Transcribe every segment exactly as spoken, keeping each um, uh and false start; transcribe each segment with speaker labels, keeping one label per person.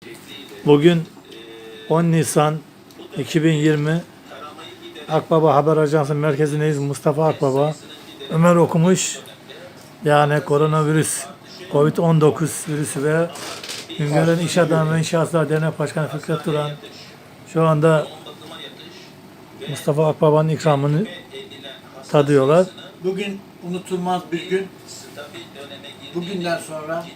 Speaker 1: Bugün on Nisan iki bin yirmi Akbaba Haber Ajansı merkezindeyiz. Mustafa Akbaba. Ömer okumuş. Yani koronavirüs, Covid on dokuz virüsü ve Güngören İş Adamı ve İnşaatlar Dernek Başkanı Fikret Duran şu anda Mustafa Akbaba'nın ikramını tadıyorlar.
Speaker 2: Bugün unutulmaz bir gün. Bugünden sonra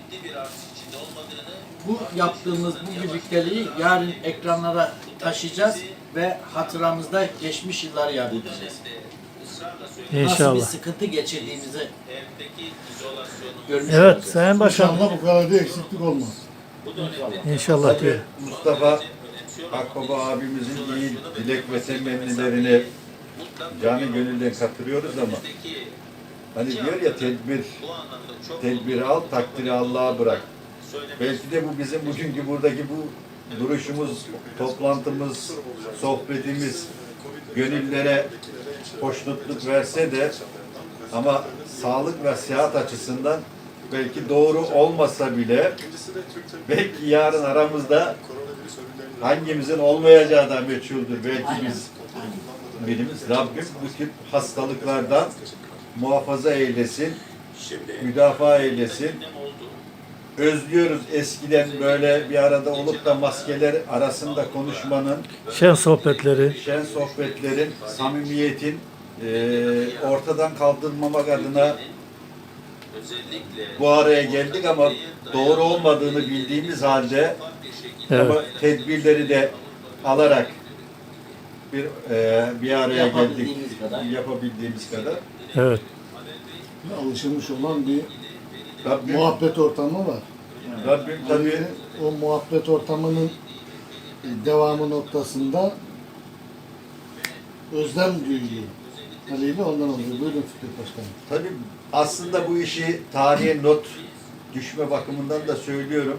Speaker 2: bu yaptığımız bu birlikteliği yarın ekranlara taşıyacağız ve hatıramızda geçmiş yılları yad edeceğiz.
Speaker 1: İnşallah.
Speaker 2: Nasıl bir sıkıntı geçirdiğimizi görmüş
Speaker 1: Evet
Speaker 2: olacağız.
Speaker 1: Sayın Başkan.
Speaker 3: İnşallah bu kadar da eksiklik olmaz.
Speaker 1: İnşallah diyor.
Speaker 4: Mustafa Akbaba abimizin iyi dilek ve temennilerini canı gönülden katılıyoruz ama hani diyor ya tedbir, tedbiri al, takdiri Allah'a bırak. Belki de bu bizim bugünkü buradaki bu duruşumuz, toplantımız, sohbetimiz gönüllere hoşnutluk verse de ama sağlık ve sıhhat açısından belki doğru olmasa bile belki yarın aramızda hangimizin olmayacağı da meçhuldür. Belki biz birimiz Rabbim bu tip hastalıklardan muhafaza eylesin, müdafaa eylesin. Özlüyoruz eskiden böyle bir arada olup da maskeler arasında konuşmanın,
Speaker 1: Şen sohbetleri.
Speaker 4: şen sohbetlerin, samimiyetin e, ortadan kaldırmamak adına bu araya geldik ama doğru olmadığını bildiğimiz halde
Speaker 1: Evet.
Speaker 4: ama tedbirleri de alarak bir e, bir araya geldik.
Speaker 2: Yapabildiğimiz kadar.
Speaker 4: Yapabildiğimiz kadar.
Speaker 1: Evet.
Speaker 3: Alışılmış olan bir
Speaker 4: Rabbim,
Speaker 3: muhabbet ortamı var.
Speaker 4: Rabbim tabii
Speaker 3: Yani o muhabbet ortamının devamı noktasında özlem duyuyor. Haliyle ondan oluyor. Buyurun Fikret Başkanım.
Speaker 4: tabii aslında bu işi tarihe not düşme bakımından da söylüyorum.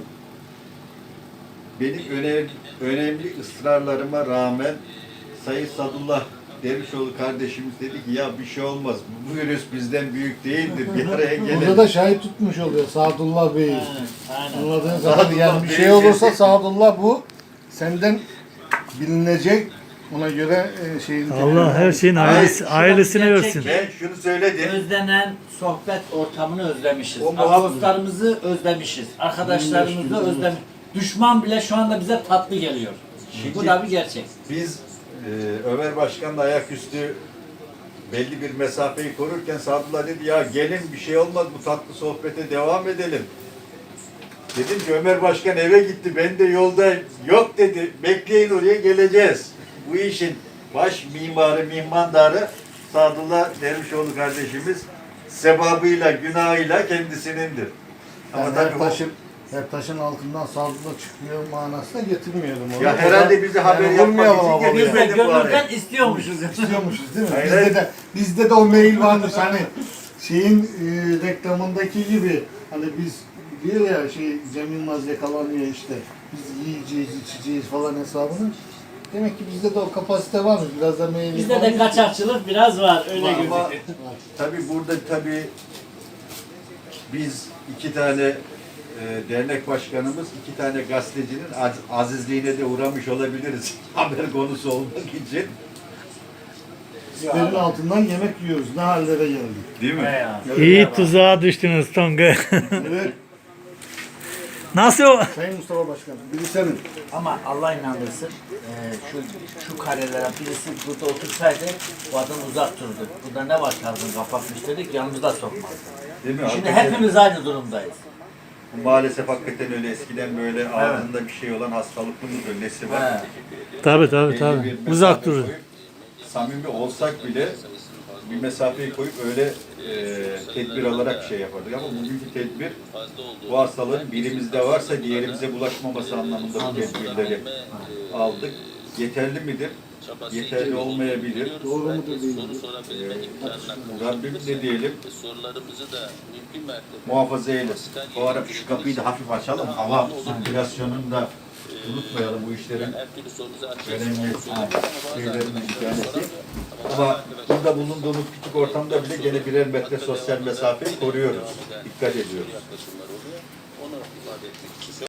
Speaker 4: Benim önemli, önemli ısrarlarıma rağmen Sayın Sadullah Dervişoğlu kardeşimiz dedi ki ya bir şey olmaz. Bu virüs bizden büyük değildir. Bir araya
Speaker 3: Burada
Speaker 4: gelelim.
Speaker 3: da şahit tutmuş oluyor Sadullah Bey'i.
Speaker 2: Aynen, aynen.
Speaker 3: Anladığınız zaman
Speaker 4: Sadullah
Speaker 3: yani bir
Speaker 4: Bey'i
Speaker 3: şey olursa
Speaker 4: kesin.
Speaker 3: Sadullah bu senden bilinecek. Ona göre e, şeyin
Speaker 1: Allah her şeyin ailesi, ailesine versin.
Speaker 4: Ben şunu söyledim.
Speaker 2: Özlenen sohbet ortamını özlemişiz.
Speaker 4: O muhabbet-
Speaker 2: Dostlarımızı özlemişiz. Arkadaşlarımızı
Speaker 3: Bilmiyorum.
Speaker 2: özlemişiz. Düşman bile şu anda bize tatlı geliyor.
Speaker 4: Şimdi-
Speaker 2: Bu da bir gerçek.
Speaker 4: Biz e, Ömer Başkan'la ayaküstü belli bir mesafeyi korurken Sadullah dedi ya gelin bir şey olmaz bu tatlı sohbete devam edelim. Dedim ki Ömer Başkan eve gitti ben de yolda yok dedi bekleyin oraya geleceğiz. Bu işin baş mimarı mihmandarı Sadullah Dervişoğlu kardeşimiz sebabıyla günahıyla kendisinindir. Ama
Speaker 3: Yani
Speaker 4: tabii
Speaker 3: her
Speaker 4: o-
Speaker 3: taşın, her taşın altından Sadullah çıkıyor manasına getirmeyelim onu.
Speaker 4: Ya herhalde bizi haber yapmak
Speaker 3: vurmayalım
Speaker 4: için
Speaker 3: ama
Speaker 4: geliyor.
Speaker 2: Biz de
Speaker 4: Bilmedim bu
Speaker 2: gönülden
Speaker 4: araya.
Speaker 2: istiyormuşuz.
Speaker 3: İstiyormuşuz değil mi?
Speaker 4: Hayır,
Speaker 3: bizde
Speaker 4: hayır.
Speaker 3: de bizde de o mail varmış hani şeyin e, reklamındaki gibi hani biz diyor ya şey Cem Yılmaz yakalanıyor işte biz yiyeceğiz içeceğiz falan hesabını. Demek ki bizde de o kapasite varmış. Biraz da mail
Speaker 2: Bizde de kaçakçılık biraz var. Öyle
Speaker 4: Ama
Speaker 2: gözüküyor.
Speaker 4: tabii burada tabii biz iki tane e, dernek başkanımız, iki tane gazetecinin az, azizliğine de uğramış olabiliriz haber konusu olmak için.
Speaker 3: Sizlerin altından yemek yiyoruz. Ne hallere geldik.
Speaker 4: Değil mi?
Speaker 2: He ya.
Speaker 1: İyi tuzağa düştünüz Tonga.
Speaker 3: Evet.
Speaker 1: Nasıl o?
Speaker 3: Sayın Mustafa Başkanım. Biri senin.
Speaker 2: Ama Allah inandırsın, e, şu şu karelere birisi burada otursaydı bu adam uzak durdu. Burada ne var kazın kapatmış dedik yanımızda sokmaz.
Speaker 4: Değil mi?
Speaker 2: Şimdi
Speaker 4: Hakikaten
Speaker 2: hepimiz aynı durumdayız.
Speaker 4: maalesef hakikaten öyle eskiden böyle ağzında bir şey olan hastalıklı mıdır, nesi var?
Speaker 2: He.
Speaker 1: Tabii tabii
Speaker 4: Belli
Speaker 1: tabii.
Speaker 4: bir mesafe
Speaker 1: Uzak durun.
Speaker 4: koyup, samimi olsak bile bir mesafeyi koyup öyle e, tedbir alarak şey yapardık ama bugünkü tedbir bu hastalığın birimizde varsa diğerimize bulaşmaması anlamında bu tedbirleri aldık. Yeterli midir? Yeterli olmayabilir.
Speaker 3: Doğru mudur değil mi?
Speaker 4: Ee, Rabbim ne diyelim? Muhafaza eylesin. Bu ara şu kapıyı da hafif açalım. Hava sirkülasyonunu da unutmayalım bu işlerin önemli şeylerinden bir tanesi. Ama burada bulunduğumuz küçük ortamda bile gene birer metre sosyal mesafeyi koruyoruz. Dikkat ediyoruz.